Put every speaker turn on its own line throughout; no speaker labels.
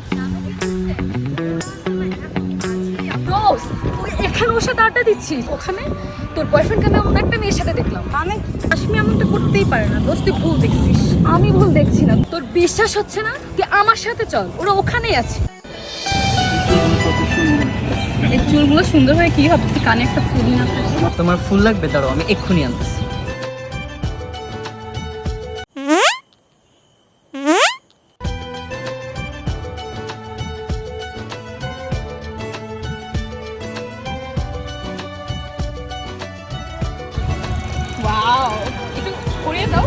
এখানে ওর সাথে আড্ডা দিচ্ছিস, ওখানে তোর বয়ফ্রেন্ডকে আমি অন্য একটা মেয়ের সাথে দেখলাম। মানে কাশ্মী এমনটা করতেই পারে না দোস্ত, তুই ভুল দেখছিস। আমি ভুল দেখছি না, তোর বিশ্বাস হচ্ছে না? তুই আমার সাথে চল, ওরা ওখানেই আছে। এই চুলগুলো সুন্দর হয় কি হবে, তুই কানে একটা ফুল না?
তোমার ফুল লাগবে? দাঁড়াও আমি এক্ষুনি আনতেছি।
ওয়াও, একটু পরিয়ে দাও।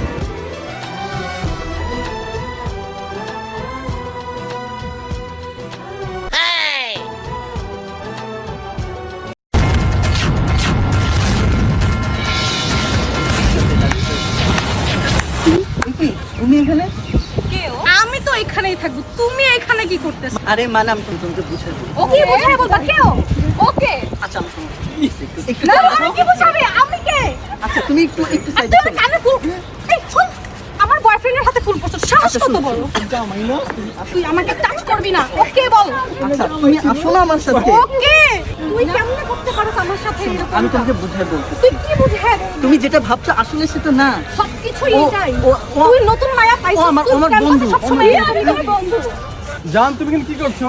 তুমি এখানে?
আমি তো এখানেই থাকবো, তুমি এখানে কি করতেছ?
আরে মানে আমি তোমাকে বুঝাই বলি।
ওকে বুঝাই বলবা কেউ? ওকে
আচ্ছা আমি তোমাকে একটু
না আমি কি বুঝাবে? আমি কে?
আচ্ছা তুমি একটু সাইডে
তুই কানে ফুল, এই ফুল আমার বয়ফ্রেন্ডের হাতে ফুল পছন্দ, সাহস কত বড়? তুই আমাকে টাচ করবি না, ওকে বল।
আচ্ছা তুমি আসো না আমার সাথে।
ওকে তুই কেমনে করতে পারছ আমার সাথে এরকম?
আমি তোমাকে বুঝাই বলছি।
তুই কি বুঝায়?
তুমি যেটা ভাবছো আসলে সেটা না।
সবকিছু
ও-
এটাই।
ও- ও-
তুই নতুন মায়া পাইছিস,
ও আমার-
তুই
আমার
কেন
বন্ধু,
সবসময়
আমার
আমি তোর বন্ধু।
জান তুমি এখানে কি করছো?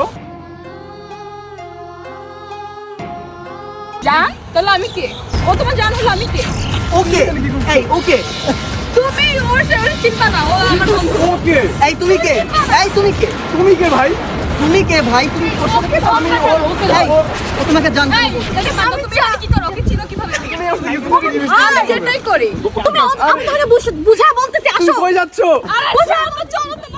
জান তাহলে আমি কে? ও তোমার জান হলো আমি কে?
ওকে এই ওকে
তুমি ওর চিন্তা না, ও আমার বন্ধু।
ওকে
এই তুমি কে? এই তুমি কে?
তুমি কে ভাই?
তুমি কে ভাই? তুমি ওর সাথে
ওকে
আমি
ওকে
এই, ও তোমাকে জানতে
এই, তাহলে মানো তুমি এখানে কি করো? ওকে চিনো কিভাবে? আমি যেটাই করি। তুমি আমি তাহলে বুঝা বলতেছি,
তুমি
আসো।
কই যাচ্ছো?
বুঝা, চলো তুমি।